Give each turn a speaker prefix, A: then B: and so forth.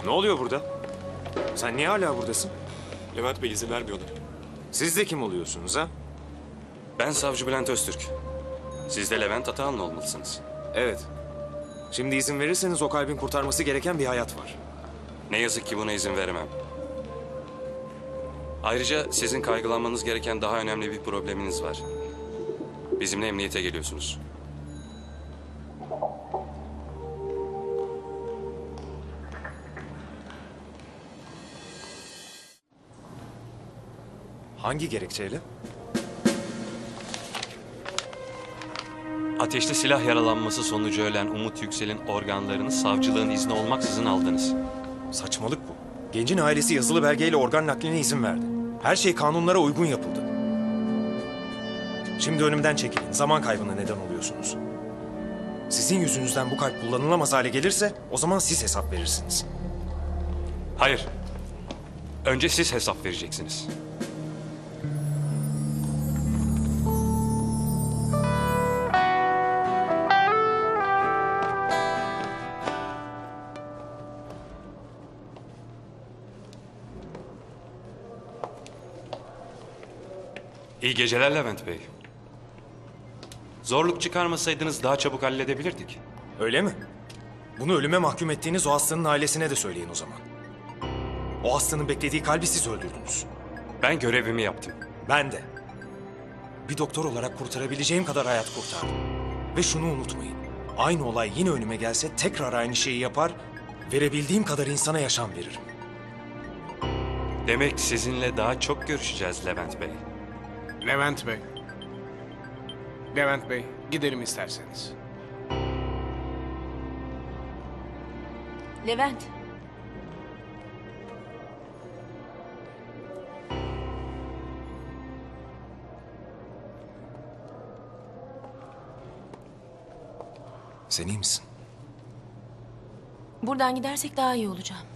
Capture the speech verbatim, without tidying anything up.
A: Ne oluyor burada? Sen niye hala buradasın?
B: Levent Bey izin vermiyorlar.
A: Siz de kim oluyorsunuz ha?
B: Ben Savcı Bülent Öztürk. Siz de Levent Atahan'la olmalısınız.
A: Evet. Şimdi izin verirseniz o kalbin kurtarması gereken bir hayat var.
B: Ne yazık ki buna izin veremem. Ayrıca sizin kaygılanmanız gereken daha önemli bir probleminiz var. Bizimle emniyete geliyorsunuz.
A: Hangi gerekçeyle?
B: Ateşli silah yaralanması sonucu ölen Umut Yüksel'in organlarını savcılığın izni olmaksızın aldınız.
A: Saçmalık bu. Gencin ailesi yazılı belgeyle organ nakline izin verdi. Her şey kanunlara uygun yapıldı. Şimdi önümden çekilin. Zaman kaybına neden oluyorsunuz. Sizin yüzünüzden bu kalp kullanılamaz hale gelirse o zaman siz hesap verirsiniz.
B: Hayır. Önce siz hesap vereceksiniz. İyi geceler Levent Bey. Zorluk çıkarmasaydınız daha çabuk halledebilirdik.
A: Öyle mi? Bunu ölüme mahkum ettiğiniz o hastanın ailesine de söyleyin o zaman. O hastanın beklediği kalbi siz öldürdünüz.
B: Ben görevimi yaptım.
A: Ben de. Bir doktor olarak kurtarabileceğim kadar hayat kurtardım. Ve şunu unutmayın. Aynı olay yine önüme gelse tekrar aynı şeyi yapar, verebildiğim kadar insana yaşam veririm.
B: Demek sizinle daha çok görüşeceğiz Levent Bey.
C: Levent Bey. Levent Bey, gidelim isterseniz.
D: Levent.
A: Sen iyi misin?
D: Buradan gidersek daha iyi olacağım.